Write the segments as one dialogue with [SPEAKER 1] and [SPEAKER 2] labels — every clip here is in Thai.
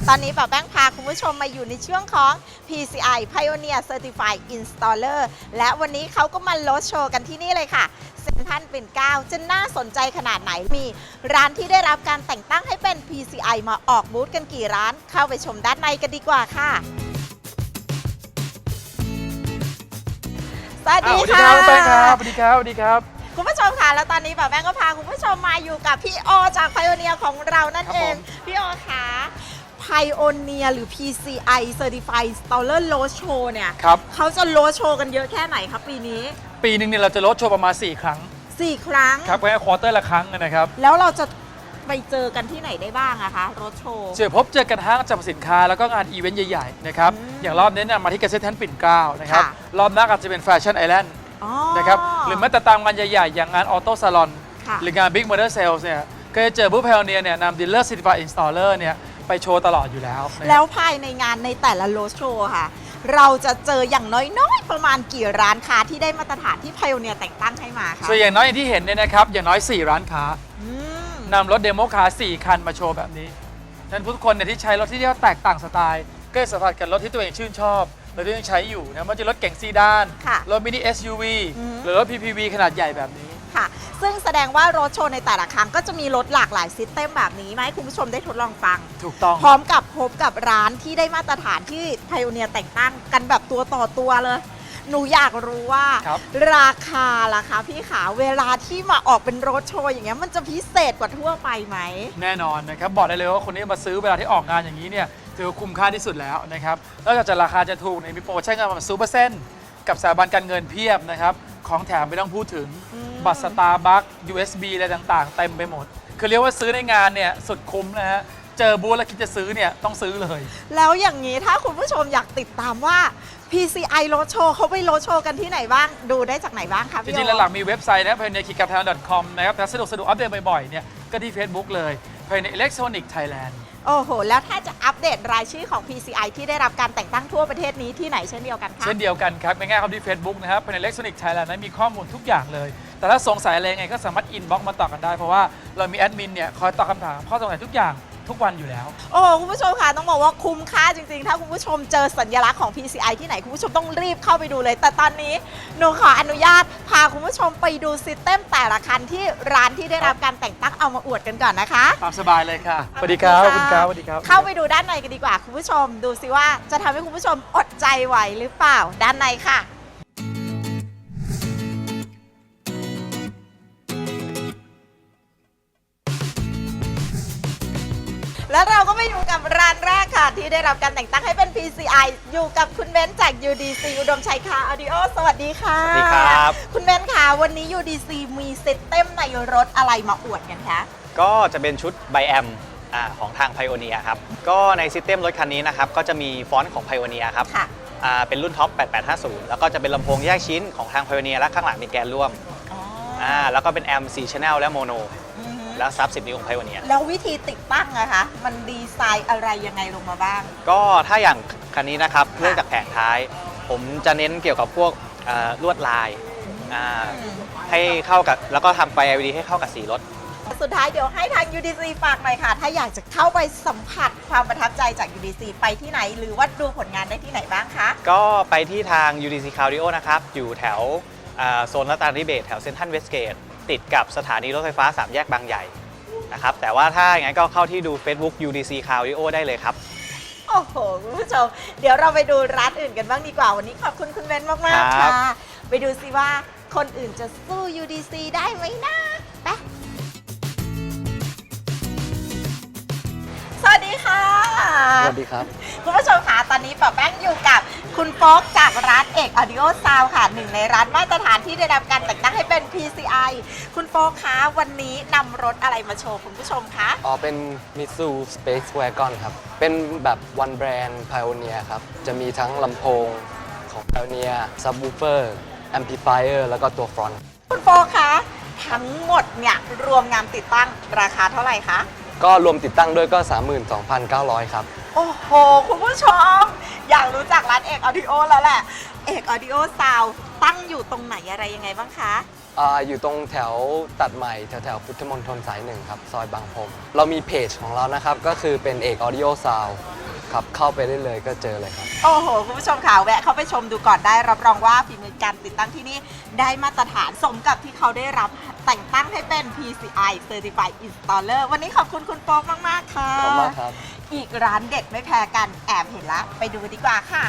[SPEAKER 1] ตอนนี้ป๋าแป้งพาคุณผู้ชมมาอยู่ในช่วงของ PCI Pioneer Certified Installer และวันนี้เขาก็มาโรดโชว์กันที่นี่เลยค่ะเซ็นทรัลปิ่นเกล้าจะน่าสนใจขนาดไหนมีร้านที่ได้รับการแต่งตั้งให้เป็น PCI มาออกบูธกันกี่ร้านเข้าไปชมด้านในกันดีกว่าค่ะสวัสดีค่ะ
[SPEAKER 2] สวัสดีครับแป้งครับสวัสดีครับสวัสดีครับ
[SPEAKER 1] คุณผู้ชมค่ะแล้วตอนนี้ป๋าแป้งก็พาคุณผู้ชมมาอยู่กับพี่โอจาก Pioneer ของเรานั่นเองพี่โอค่ะPioneer หรือ PCI Certified Installer Road Show เนี่ยเขาจะโรดโชว์กันเยอะแค่ไหนครับปีนี้
[SPEAKER 2] ปีหนึ่งเนี่ยเราจะโรดโชว์ประมาณ4 ครั้ง
[SPEAKER 1] 4 ครั้ง
[SPEAKER 2] ครับแค่ควอเตอร์ละครั้งนะครับ
[SPEAKER 1] แล้วเราจะไปเจอกันที่ไหนได้บ้างอะคะโรดโชว์
[SPEAKER 2] เจอกันห้างจำสินค้าแล้วก็งานอีเวนต์ใหญ่ๆนะครับอย่างรอบนี้เนี่ยมาที่เกษตรแทนปิ่นเกล้านะครับรอบหน้าอาจจะเป็นแฟชั่นไอแลนด์นะครับหรือแม้แต่ตามงานใหญ่ๆอย่างงานออโต้ซาลอนหรืองาน Big Motor Sales เนี่ยก็จะเจอบูธ Pioneer เนี่ยนำ Dealer Certified Installer เนี่ยไปโชว์ตลอดอยู่แล้ว
[SPEAKER 1] ภายในงานในแต่ละโรดโชว์ค่ะเราจะเจออย่างน้อยๆประมาณกี่ร้านค้าที่ได้มาตรฐานที่ Pioneer แต่งตั้งให้มาคะ
[SPEAKER 2] ส่วนอย่างน้อยอย่างที่เห็นเนี่ยนะครับอย่างน้อย4 ร้านค้านำรถเดโมคาร์4 คันมาโชว์แบบนี้ฉะนั้นทุกคนเนี่ยที่ใช้รถที่เรียกว่าแตกต่างสไตล์ก็จะสัมผัสกับรถที่ตัวเองชื่นชอบรถที่ยังใช้อยู่นะมันจะรถเก๋งซีดานรถมินิ SUV หรือรถ PPV ขนาดใหญ่แบบนี้
[SPEAKER 1] ค่ะซึ่งแสดงว่ารถโชว์ในแต่ละครั้งก็จะมีรถหลากหลายซิสเต็มแบบนี้มาให้คุณผู้ชมได้ทดลองฟัง
[SPEAKER 2] ถูกต้อง
[SPEAKER 1] พร้อมกับพบกับร้านที่ได้มาตรฐานที่ Pioneer แต่งตั้งกันแบบตัวต่อตัวเลยหนูอยากรู้ว่าราคาล่ะคะพี่ขาเวลาที่มาออกเป็นรถโชว์อย่างเงี้ยมันจะพิเศษกว่าทั่วไปไหม
[SPEAKER 2] แน่นอนนะครับบอกได้เลยว่าคนที่มาซื้อเวลาที่ออกงานอย่างนี้เนี่ยถือคุ้มค่าที่สุดแล้วนะครับนอกจากราคาจะถูกในมีโปรโมชั่นกันมา0%กับสถาบันการเงินเพียบนะครับของแถมไม่ต้องพูดถึงบัตรสตาร์บัค USB อะไรต่างๆเต็มไปหมดคือเรียกว่าซื้อในงานเนี่ยสุดคุ้มนะฮะเจอบูธแล้วคิดจะซื้อเนี่ยต้องซื้อเลย
[SPEAKER 1] แล้วอย่างนี้ถ้าคุณผู้ชมอยากติดตามว่า PCI Road Show เขาไปโรดโชว์กันที่ไหนบ้างดูได้จากไหนบ้างคะ
[SPEAKER 2] จริงๆหลักๆมีเว็บไซต์นะ pioneer-thailand.com นะครับแต่สะดวกอัปเดตบ่อยๆเนี่ยก็ที่ Facebook เลย Pioneer Electronic Thailand
[SPEAKER 1] โอ้โหแล้วถ้าจะอัปเดตรายชื่อของ PCI ที่ได้รับการแต่งตั้งทั่วประเทศนี้ที่ไหนเช่นเดียวกันคะ
[SPEAKER 2] เช่นเดียวกันครับง่ายๆครับที่ Facebook นะครับ Pioneer Electronic Thailand นั้นมีข้อมูลทุกอย่างเลยแต่ถ้าสงสัยอะไรไงก็สามารถอินบ็อกซ์มาตอบกันได้เพราะว่าเรามีแอดมินเนี่ยคอยตอบคำถามข้อสงสัยทุกอย่างทุกวันอยู่แล้ว
[SPEAKER 1] โอ้คุณผู้ชมค่ะต้องบอกว่าคุ้มค่าจริงๆถ้าคุณผู้ชมเจอสัญลักษณ์ของ PCI ที่ไหนคุณผู้ชมต้องรีบเข้าไปดูเลยแต่ตอนนี้หนูขออนุญาตพาคุณผู้ชมไปดูซิสเต็มแต่ละคันที่ร้านที่ได้รับการแต่งตั้งเอามาอวดกันก่อนนะคะ
[SPEAKER 2] ตามสบายเลยค่ะสวัสดีครับคุณครับสวัสดีครับ
[SPEAKER 1] เข้าไปดูด้านในกันดีกว่าคุณผู้ชมดูสิว่าจะทำให้คุณผู้ชมอดใจไหวหรือเปล่าด้านในค่ะแล้วเราก็ไปอยู่กับร้านแรกค่ะที่ได้รับการแต่งตั้งให้เป็น PCI อยู่กับคุณเบนซ์จาก UDC อุดมชัยคาร์ออดิโอสวัสดีค่ะ
[SPEAKER 3] สวัสดีครับ
[SPEAKER 1] คุณเบนซ์ค่ะวันนี้ UDC มีซิสเต็มในรถอะไรมาอวดกันคะ
[SPEAKER 3] ก็จะเป็นชุดไบแอมของทาง Pioneer ครับก็ในซิสเต็มรถคันนี้นะครับก็จะมีฟอนต์ของ Pioneer ครับเป็นรุ่นท็อป8850แล้วก็จะเป็นลำโพงแยกชิ้นของทาง Pioneer และข้างหลังมีแกนร่วมแล้วก็เป็นแอม4 Channel และโมโนแล้วซับ10 นิ้วของ Pioneer
[SPEAKER 1] แล้ววิธีติดตั้งอะคะมันดีไซน์อะไรยังไงลงมาบ้าง
[SPEAKER 3] ก็ถ้าอย่างคันนี้นะครับเนื่องจากแผงท้ายผมจะเน้นเกี่ยวกับพวกลวดลายให้เข้ากับแล้วก็ทำไฟ LED ให้เข้ากับสีรถ
[SPEAKER 1] สุดท้ายเดี๋ยวให้ทาง UDC ฝากหน่อยค่ะถ้าอยากจะเข้าไปสัมผัสความประทับใจจาก UDC ไปที่ไหนหรือว่าดูผลงานได้ที่ไหนบ้างคะ
[SPEAKER 3] ก็ไปที่ทาง UDC Cardio นะครับอยู่แถวโซนรัตนาธิเบศรแถวเซ็นทรัลเวสเกตติดกับสถานีรถไฟฟ้า3 แยกบางใหญ่นะครับแต่ว่าถ้าอย่างนั้นก็เข้าที่ดู Facebook UDC Cardio ได้เลยครับ
[SPEAKER 1] โอ้โหคุณผู้ชมเดี๋ยวเราไปดูร้านอื่นกันบ้างดีกว่าวันนี้ขอบคุณคุณเบนมากๆค่ะไปดูซิว่าคนอื่นจะสู้ UDC ได้ไหมนะไปสวัสดีค่ะ
[SPEAKER 4] สวัสดีครับ
[SPEAKER 1] คุณผู้ชมคะตอนนี้ป๋าแป้งอยู่กับคุณโฟกจากร้านเอกออดิโอซาวค่ะหนึ่งในร้านมาตรฐานที่ได้รับการแต่งตั้งให้เป็น PCI คุณโฟกคะวันนี้นำรถอะไรมาโชว์คุณผู้ชมคะ
[SPEAKER 4] เป็น Mitsu Space Wagon ครับเป็นแบบ One Brand Pioneer ครับจะมีทั้งลำโพงของ Pioneer Subwoofer Amplifier แล้วก็ตัว Front
[SPEAKER 1] คุณโฟกคะทั้งหมดเนี่ยรวมงานติดตั้งราคาเท่าไหร่คะ
[SPEAKER 4] ก็รวมติดตั้งด้วยก็ 32,900 ครับ
[SPEAKER 1] โอ้โหคุณผู้ชมอยากรู้จักร้านเอกออดิโอแล้วแหละเอกออดิโอซาวตั้งอยู่ตรงไหนอะไรยังไงบ้างคะ
[SPEAKER 4] อยู่ตรงแถวตัดใหม่แถวพุทธมณฑลสาย 1ครับซอยบางพรมเรามีเพจของเรานะครับก็คือเป็นเอก Audio Sound ครับเข้าไปได้เลยก็เจอเลยครับ
[SPEAKER 1] โอ้โห คุณผู้ชมค่ะแวะเข้าไปชมดูก่อนได้รับรองว่าฝีมือการติดตั้งที่นี่ได้มาตรฐานสมกับที่เขาได้รับแต่งตั้งให้เป็น PCI Certified Installer วันนี้ขอบคุณคุณโป๊กมาก ๆ ค่ะ
[SPEAKER 4] ขอบคุณมากครับ
[SPEAKER 1] อีกร้านเด็ดไม่แพ้กันแอบเห็นละไปดูดีกว่าค่ะ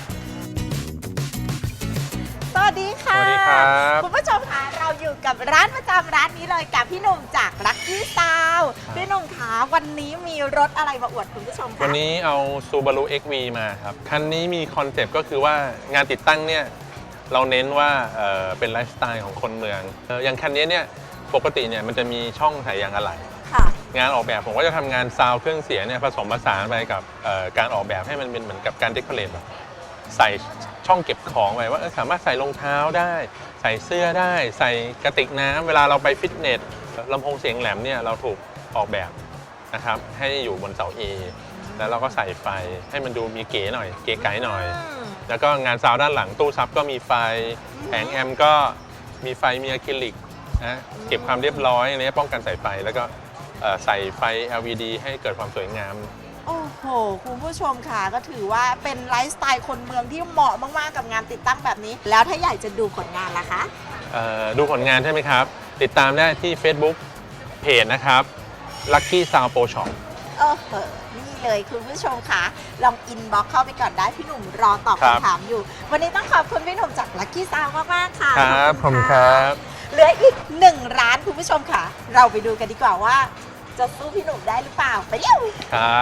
[SPEAKER 1] สวัสดีค่ะ
[SPEAKER 5] สวัสดีครับ
[SPEAKER 1] คุณผู้ชมคะเราอยู่กับร้านประจำร้านนี้เลยกับพี่หนุ่มจาก Lucky Sound พี่หนุ่มคะวันนี้มีรถอะไรมาอวดคุณผู้ชมคะ
[SPEAKER 5] วันนี้เอา Subaru XV มาครับ คันนี้มีคอนเซปต์ก็คือว่างานติดตั้งเนี่ยเราเน้นว่าเป็นไลฟ์สไตล์ของคนเมืองอย่างคันนี้เนี่ยปกติเนี่ยมันจะมีช่องใส่ยางอะไหล่
[SPEAKER 1] ค่ะ
[SPEAKER 5] งานออกแบบผมก็จะทำงานซาวด์เครื่องเสียงเนี่ยผสมผสานไปกับการออกแบบให้มันเป็นเหมือนกับการเดคอเรทแบบใส่ช่องเก็บของไว้ว่าสามารถใส่รองเท้าได้ ใส่เสื้อได้ ใส่กระติกน้ำเวลาเราไปฟิตเนสลำโพงเสียงแหลมเนี่ยเราถูกออกแบบนะครับให้อยู่บนเสา A แล้วเราก็ใส่ไฟให้มันดูมีเก๋หน่อยเก๋ไก๋หน่อย แล้วก็งานซาวด์ด้านหลังตู้ซับก็มีไฟแผงแอมป์ก็มีไฟมีอะคริลิกนะเก็บความเรียบร้อยอะไรป้องกันสายไฟแล้วก็ใส่ไฟ LED ให้เกิดความสวยงาม
[SPEAKER 1] โอ้โห คุณผู้ชมค่ะก็ถือว่าเป็นไลฟ์สไตล์คนเมืองที่เหมาะมาก ๆ กับงานติดตั้งแบบนี้ แล้วถ้าอยากจะดูผลงานล่ะคะ
[SPEAKER 5] ดูผลงานใช่ไหมครับ ติดตามได้ที่ Facebook เพจนะครับ Lucky Sound Pro Shop
[SPEAKER 1] เออนี่เลยคุณผู้ชมค่ะ ลองอินบ็อกเข้าไปก่อนได้พี่หนุ่มรอตอบ
[SPEAKER 5] ครับ
[SPEAKER 1] คำถามอยู่ วันนี้ต้องขอบคุณพี่หนุ่มจาก Lucky Sound มาก ๆ ค่ะ
[SPEAKER 5] ครับ
[SPEAKER 1] ข
[SPEAKER 5] ผ
[SPEAKER 1] อบ
[SPEAKER 5] ม
[SPEAKER 1] ณ
[SPEAKER 5] ค
[SPEAKER 1] ค่ะ
[SPEAKER 5] รับ
[SPEAKER 1] เหลืออีก1ร้านคุณผู้ชมค่ะ เราไปดูกันดีกว่าว่าจะสู้พี่หนุ่มได้หรือเปล่า ไปเร็ว
[SPEAKER 5] ครับ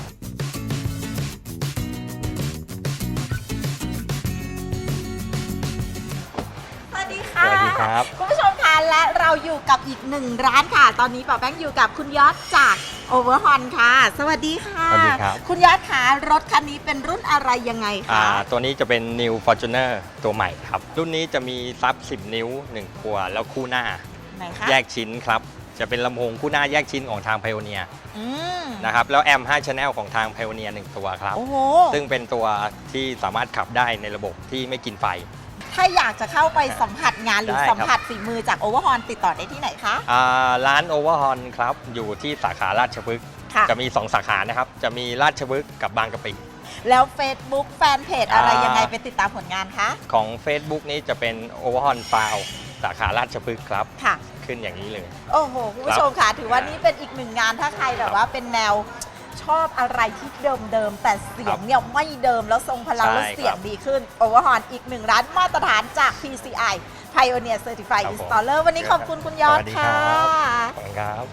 [SPEAKER 1] สวัสดีค่ะ
[SPEAKER 3] สวัสดีครับ
[SPEAKER 1] คุณผู้ชมคะและเราอยู่กับอีก1ร้านค่ะ ตอนนี้ป๋าแป้งอยู่กับคุณยอดจากโอเวอร์ฮอนค่ะ สวัสดีค่ะ
[SPEAKER 6] สวัสดีครับ
[SPEAKER 1] คุณยอดคะรถคันนี้เป็นรุ่นอะไรยังไงคะ
[SPEAKER 6] ตัวนี้จะเป็น New Fortuner ตัวใหม่ครับ รุ่นนี้จะมีซับ 10 นิ้ว 1 ตัวแล้วคู่หน้า
[SPEAKER 1] ไหนคะ
[SPEAKER 6] แยกชิ้นครับ จะเป็นลำโพงคู่หน้าแยกชิ้นของทาง Pioneer
[SPEAKER 1] อืม
[SPEAKER 6] นะครับ แล้วแอมป์5 Channel ของทาง Pioneer 1 ตัวครับ
[SPEAKER 1] โอ้โห
[SPEAKER 6] ซึ่งเป็นตัวที่สามารถขับได้ในระบบที่ไม่กินไฟ
[SPEAKER 1] ถ้าอยากจะเข้าไปสัมผัสงานหรือ
[SPEAKER 6] ได้ครับ
[SPEAKER 1] สัมผัสฝีมือจากโอเวอร์ฮอนติดต่อได้ที่ไหนคะ
[SPEAKER 6] ร้าน Overhorn ครับ อยู่ที่สาขาราชพฤกษ์
[SPEAKER 1] ค่ะ
[SPEAKER 6] จะมี 2 สาขานะครับ จะมีราชพฤกษ์กับบางกะปิ
[SPEAKER 1] แล้ว Facebook แฟนเพจอะไร
[SPEAKER 6] อ่ายั
[SPEAKER 1] ยังไงไปติดตามผลงานคะ
[SPEAKER 6] ของ Facebook นี้จะเป็น Overhorn Sound สาขาราชพฤกษ์ครับ
[SPEAKER 1] ค่ะ
[SPEAKER 6] ขึ้นอย่างนี้เลย
[SPEAKER 1] โอ้โห คุณผู้ชมค่ะ ถือว่านี่เป็นอีกหนึ่งงานถ้าใครแบบว่าเป็นแนวชอบอะไรที่เดิมๆแต่เสียงเนี่ยไม่เดิมแล้วทรงพลัง
[SPEAKER 6] ใช่
[SPEAKER 1] แล้วเสียง
[SPEAKER 6] ครับ
[SPEAKER 1] ดีขึ้น Overhorn อีกหนึ่งร้านมาตรฐานจาก PCI Pioneer Certified
[SPEAKER 6] ครับผม
[SPEAKER 1] Installer วันนี้ขอบคุณคุณยอด
[SPEAKER 6] สวัสดี
[SPEAKER 1] ค่ะ
[SPEAKER 6] ครับ ขอบคุณครับ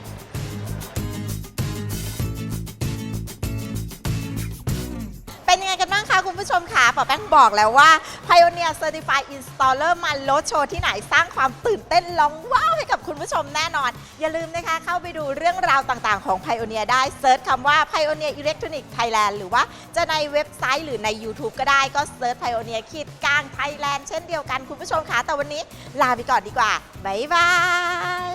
[SPEAKER 1] เป็นยังไงกันบ้างคะคุณผู้ชมค่ะป๋าแป้งบอกแล้วว่า Pioneer Certified Installer มาลดโชว์ที่ไหนสร้างความตื่นเต้นร้องว้าวให้กับคุณผู้ชมแน่นอน อย่าลืมนะคะเข้าไปดูเรื่องราวต่างๆของ Pioneer ได้เซิร์ชคำว่า Pioneer Electronic Thailand หรือว่าจะในเว็บไซต์หรือใน YouTube ก็ได้ก็เซิร์ช Pioneer ขีดกลาง Thailand เช่นเดียวกันคุณผู้ชมค่ะแต่วันนี้ลาไปก่อนดีกว่าบ๊ายบาย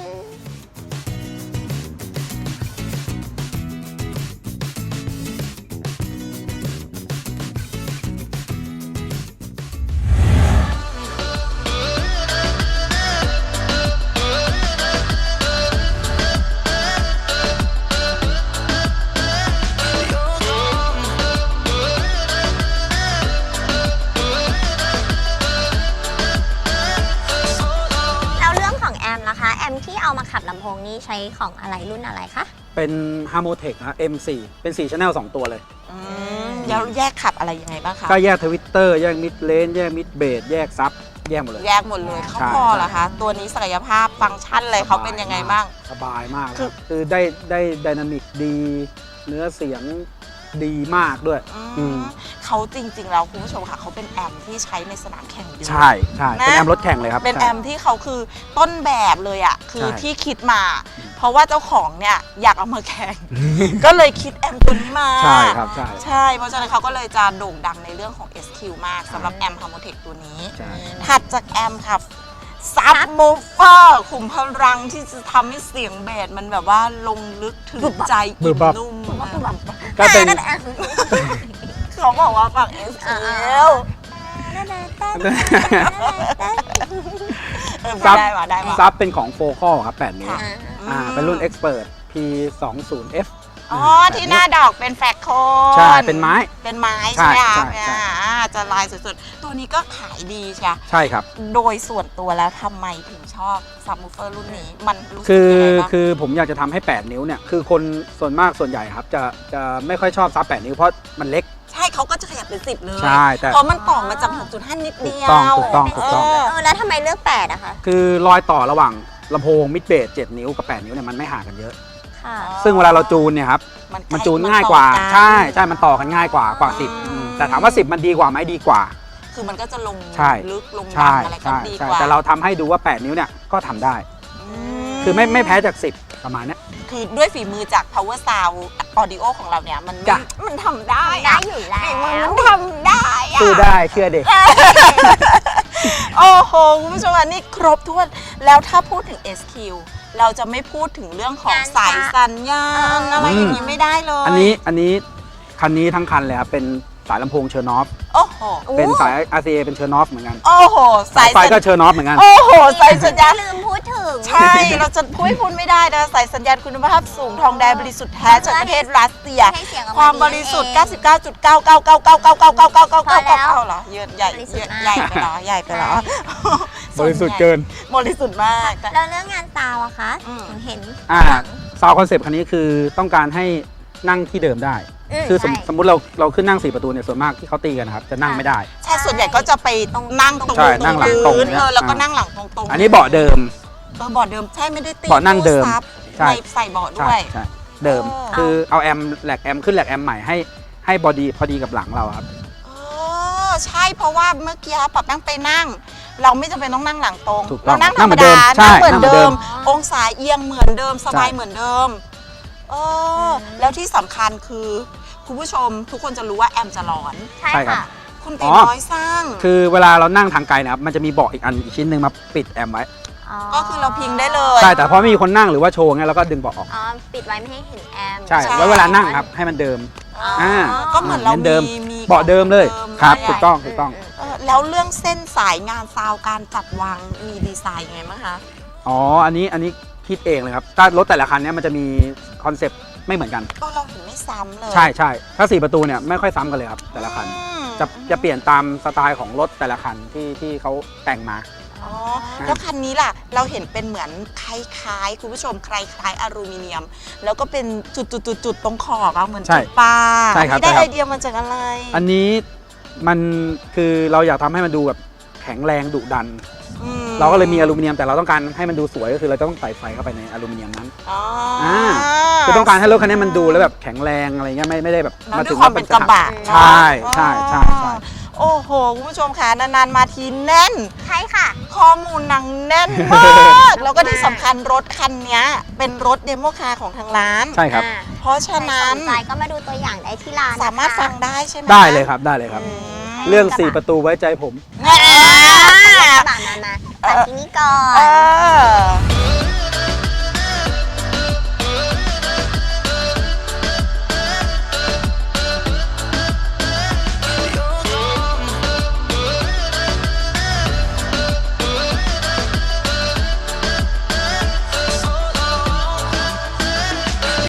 [SPEAKER 7] แล้วเรื่องของแอมล่ะคะ แอมที่เอามาขับลำโพงนี้ใช้ของอะไรรุ่นอะไรคะ
[SPEAKER 8] เป็น Harmotech นะ M4 เป็น 4 Channel 2 ตัวเลย
[SPEAKER 1] แล้วแยกขับอะไรยังไงบ้างคะ
[SPEAKER 8] ก็แยกทวิตเตอร์แยกมิดเลนแยกมิดเบสแยกซับแยกหมดเลย
[SPEAKER 1] แยกหมดเลยเขา
[SPEAKER 8] ใช่
[SPEAKER 1] พอเหรอคะ ตัวนี้ศักยภาพฟังก์ชันอะไรเขาเป็นยังไงบ้าง
[SPEAKER 8] สบายมาก
[SPEAKER 1] คือ
[SPEAKER 8] คือได้ไดนามิกดี เนื้อเสียงดีมากด้วย อืม
[SPEAKER 1] เขาจริง ๆ แล้วคุณผู้ชมค่ะเขาเป็นแอมที่ใช้ในสนามแข่งด้วย
[SPEAKER 8] ใช่ใช่
[SPEAKER 1] นะ
[SPEAKER 8] เป็นแอมรถแข่งเลยครับ
[SPEAKER 1] เป็น
[SPEAKER 8] ใช่
[SPEAKER 1] แอมที่เขาคือต้นแบบเลยอ่ะคือ
[SPEAKER 8] ใช่
[SPEAKER 1] ที่คิดมา เพราะว่าเจ้าของเนี่ยอยากเอามาแข่ง ก็เลยคิดแอมตัวนี้มา
[SPEAKER 8] ใช่ครับใช่
[SPEAKER 1] ใช่ เพราะฉะนั้นเขาก็เลยจะโด่งดังในเรื่องของ SQ มากสำหรับแอม Harmotech ตัวนี้
[SPEAKER 8] ใช่
[SPEAKER 1] ถัดจากแอมครับซับมูฟเฟอร์ขุมพลังที่จะทำให้เสียงเบสมันแบบว่าลงลึกถึงใจ
[SPEAKER 8] บึ
[SPEAKER 1] อิ่
[SPEAKER 8] บ
[SPEAKER 1] ม
[SPEAKER 8] บับ
[SPEAKER 1] นุ่ม
[SPEAKER 8] ก็เป็น
[SPEAKER 1] เขาบอกว่าฝั่ง SQ
[SPEAKER 8] ซับ
[SPEAKER 1] ได้ว่ะได้ว่ะ
[SPEAKER 8] ซับเป็นของโฟคอลครับ8นิ้ว
[SPEAKER 1] ค่ะ
[SPEAKER 8] เป็นรุ่น Expert P20F
[SPEAKER 1] อ๋อที่หน้าดอกเป็นแฟกโคน
[SPEAKER 8] ใช่ เป็นไม้
[SPEAKER 1] เป็นไม้
[SPEAKER 8] ใช่
[SPEAKER 1] ใช่ไหมคะ
[SPEAKER 8] ใช่ใช่
[SPEAKER 1] จะลายสุดๆ ตัวนี้ก็ขายดีใช่
[SPEAKER 8] ใช่ครับ
[SPEAKER 1] โดยส่วนตัวแล้วทำไมถึงชอบซับวูเฟอร์รุ่นนี้ มันรู้สึก
[SPEAKER 8] คือ
[SPEAKER 1] ยังไงบ้าง
[SPEAKER 8] คือผมอยากจะทำให้ 8 นิ้วเนี่ย คือคนส่วนมากส่วนใหญ่ครับ จะไม่ค่อยชอบซับ 8 นิ้วเพราะมันเล็ก
[SPEAKER 1] ใช่เขาก็จะขยับเป็น10เลย
[SPEAKER 8] ใช่แต่
[SPEAKER 1] เพราะมันต่อมาจาก 6.5 นิดเดียว
[SPEAKER 8] ถูกต้อง
[SPEAKER 7] แล้วทำไมเลือก8อะคะ
[SPEAKER 8] คือรอยต่อระหว่างลำโพงมิดเบส7นิ้วกับ 8 นิ้วเนี่ยมันไม่ห่างกันเยอะ
[SPEAKER 7] ค่ะ
[SPEAKER 8] ซึ่งเวลาเราจูนเนี่ยครับ มันจูนง่ายกว่า ใช่ มันต่อกันง่ายกว่า 10แต่ถามว่า 10 มันดีกว่าไหมดีกว่า
[SPEAKER 1] คือมันก็จะลง
[SPEAKER 8] ใช่
[SPEAKER 1] ลึกลง
[SPEAKER 8] ใช่
[SPEAKER 1] ดำอะไรก็
[SPEAKER 8] ใช่
[SPEAKER 1] ดี
[SPEAKER 8] ใช่
[SPEAKER 1] กว่า
[SPEAKER 8] แต่เราทำให้ดูว่า 8 นิ้วเนี่ยก็ทำได้ คือไม่แพ้จาก 10 ประมาณเนี้ย
[SPEAKER 1] คือด้วยฝีมือจาก power sound audio ของเราเนี่ยมันไม่
[SPEAKER 8] จ้ะ
[SPEAKER 1] มันทำได้
[SPEAKER 7] ได้
[SPEAKER 1] อะ
[SPEAKER 7] อยู่แล้
[SPEAKER 1] ฝีมือ
[SPEAKER 7] ว
[SPEAKER 1] มันทำได้อะ
[SPEAKER 8] สู้ได้เชื่อเด็ก
[SPEAKER 1] โอ้โห คุณผู้ชมอันนี้ครบถ้วน แล้วถ้าพูดถึง SQ เราจะไม่พูดถึงเรื่องของ
[SPEAKER 7] งาน
[SPEAKER 1] สายสัญญาณอะไรอย่างนี้
[SPEAKER 8] อืม
[SPEAKER 1] ไม่ได้เลย
[SPEAKER 8] อันนี้คันนี้ทั้งคันเลยครับเป็นสายลำโพงเชอร์นอฟ
[SPEAKER 1] โอ้โห
[SPEAKER 8] เป็นสาย RCA เป็นเชอร์นอฟเหมือนกัน
[SPEAKER 1] โอ้โห
[SPEAKER 8] สายไฟก็เชอร์นอฟเหมือนกัน
[SPEAKER 1] โอ้โห สายสัญญาณ
[SPEAKER 7] ลืมพูดถึง
[SPEAKER 1] ใช่ เราจะพูดไม่ได้นะสายสัญญาณคุณภาพสูงทองแดงบริสุทธิ์แท้จากประเทศรัสเซีย
[SPEAKER 7] ให้เสียงออกมา
[SPEAKER 1] ความบริสุทธิ์
[SPEAKER 7] ดีนั่นเอง
[SPEAKER 1] 99.99999999999เหรอเยอะใหญ่
[SPEAKER 7] บริสุทธิ์มาก
[SPEAKER 1] ใหญ่ไปเหรอใหญ่ไปเหรอบ
[SPEAKER 8] ริสุทธิ์เกิน
[SPEAKER 1] บริสุทธิ์มากแต่
[SPEAKER 7] แล้วเรื่องงานซาวอะคะ
[SPEAKER 1] อืม
[SPEAKER 7] เห็น
[SPEAKER 8] ซาวคอนเซปต์คันนี้คือต้องการให้นั่งที่เดิมได้ คือสมมติเราขึ้นนั่ง 4 ประตูเนี่ยส่วนมากที่เขาตีกันนะครับจะนั่งไม่ได้
[SPEAKER 1] ใช่ส่วนใหญ่ก็จะไปนั่งตรง
[SPEAKER 8] ใช่นั่งหลังตรง
[SPEAKER 1] พื้น
[SPEAKER 8] เนี่ย
[SPEAKER 1] แล้วก็นั่งหลังตรงๆ
[SPEAKER 8] อันนี้เบาะเดิม
[SPEAKER 1] เบาะเดิมใช่ไม่ได้ตี
[SPEAKER 8] เบาะนั่งเดิม
[SPEAKER 1] ตู้ซับ
[SPEAKER 8] ใช่
[SPEAKER 1] ในใส่เบาะด้วย
[SPEAKER 8] ใช่เดิม
[SPEAKER 1] เออ
[SPEAKER 8] คือเอาแอมแหลกแอมขึ้นแหลกแอมใหม่ให้บอดี้พอดีกับหลังเราครับ
[SPEAKER 1] ใช่เพราะว่าเมื่อกี้ปรับนั่งไปนั่ง เราไม่จำเป็นต้องนั่งหลังตรง
[SPEAKER 8] ถูกต้อง
[SPEAKER 1] เรานั่งธ
[SPEAKER 8] นั่
[SPEAKER 1] รง ร
[SPEAKER 8] เหมื
[SPEAKER 1] ม
[SPEAKER 8] อนเดิ
[SPEAKER 1] ดาม
[SPEAKER 8] ใช่
[SPEAKER 1] นั่งเหมือน
[SPEAKER 8] นั่งเหมือนเดิ
[SPEAKER 1] เดิม
[SPEAKER 8] ม
[SPEAKER 1] องศาเอียงเหมือนเดิมสบาย
[SPEAKER 8] ใช่
[SPEAKER 1] เหมือนเดิมแล้วที่สำคัญคือคุณผู้ชมทุกคนจะรู้ว่าแอมจะร้อน
[SPEAKER 7] ใช่
[SPEAKER 8] ใช่ครับ
[SPEAKER 7] ค่ะ
[SPEAKER 1] คุณตีน้อยสร้าง
[SPEAKER 8] คือเวลาเรานั่งทางไกลนะครับมันจะมีเบาะอีกชิ้นหนึ่งมาปิดแอมไว้
[SPEAKER 1] ก็คือเราพิงได้เลย
[SPEAKER 8] ใช่แต่พอไม่มีคนนั่งหรือว่าโชว์ไงเราก็ดึงเบาะออก
[SPEAKER 7] อ๋อ ปิดไว้ไม่ให้เห็นแอม
[SPEAKER 8] ใช่ไว้เวลานั่งครับให้มันเดิม
[SPEAKER 1] อ๋อก็เหมือนเรา
[SPEAKER 8] เดิม
[SPEAKER 1] มี
[SPEAKER 8] เบาะเดิมเลย
[SPEAKER 1] ของ
[SPEAKER 8] ครับ
[SPEAKER 1] เดิม
[SPEAKER 8] ถูกต้องถูกต้อง
[SPEAKER 1] แล้วเรื่องเส้นสายงานซาวการจัดวางมีดีไซน์ยังไงบ้างคะ
[SPEAKER 8] อ๋ออันนี้คิดเองเลยครับถ้ารถแต่ละคันเนี้ยมันจะมีคอนเซปต์ไม่เหมือนกัน
[SPEAKER 1] ก็เราถึงไม่ซ้ำเลย
[SPEAKER 8] ใช่ถ้า 4 ประตูเนี่ยไม่ค่อยซ้ำกันเลยครับแต่ละคัน
[SPEAKER 1] อืม
[SPEAKER 8] จะเปลี่ยนตามสไตล์ของรถแต่ละคันที่เขาแต่งมา
[SPEAKER 1] อ๋อแล้วคันนี้ล่ะเราเห็นเป็นเหมือนคล้ายๆคุณผู้ชมคล้ายๆอลูมิเนียม แล้วก็เป็นจุดๆๆตรงขอบอะเหมือน
[SPEAKER 8] ใช่
[SPEAKER 1] จุดปลา
[SPEAKER 8] ใช่ครับ
[SPEAKER 1] อันนี้ได้
[SPEAKER 8] ใช่ครับ
[SPEAKER 1] ไอเดียมาจากอะไร
[SPEAKER 8] อันนี้มันคือเราอยากทำให้มันดูแบบแข็งแรงดุดัน
[SPEAKER 1] อืม
[SPEAKER 8] เราก็เลยมีอลูมิเนียมแต่เราต้องการให้มันดูสวยก็คือเราต้องใส่ไฟเข้าไปในอลูมิเนียมนั้น
[SPEAKER 1] อ๋อ
[SPEAKER 8] คือต้องการให้รถคันนี้มันดูแล้วแบบแข็งแรงอะไรเงี้ยไม่ได้แบบ
[SPEAKER 1] แล้วด้วยความเป็นกระบะ
[SPEAKER 8] ใช่ใช่ใช่
[SPEAKER 1] อ๋อ
[SPEAKER 8] ใช่
[SPEAKER 1] โอ้โหคุณผู้ชมค่ะนานๆมาทีแน่น
[SPEAKER 7] ใช่ค่ะ
[SPEAKER 1] ข้อมูลหนังแน่นมาก แล้วก็ที่สำคัญรถคันนี้เป็นรถเดโมคาร์ของทางร้าน
[SPEAKER 8] ใช่ครับ
[SPEAKER 1] เพราะฉะนั้น
[SPEAKER 7] ใครสนใจก็มาดูตัวอย่างได้ที่ร้านนะคะ
[SPEAKER 1] สามารถฟังได้ใช่ไหม
[SPEAKER 8] ได้เลยครับได้เลยครับ
[SPEAKER 1] อืม
[SPEAKER 8] เรื่อง 4 ประตูไว้ใจผม
[SPEAKER 1] อ่า
[SPEAKER 7] กระบะมาตัดที่นี่ก่อ
[SPEAKER 1] เอน อ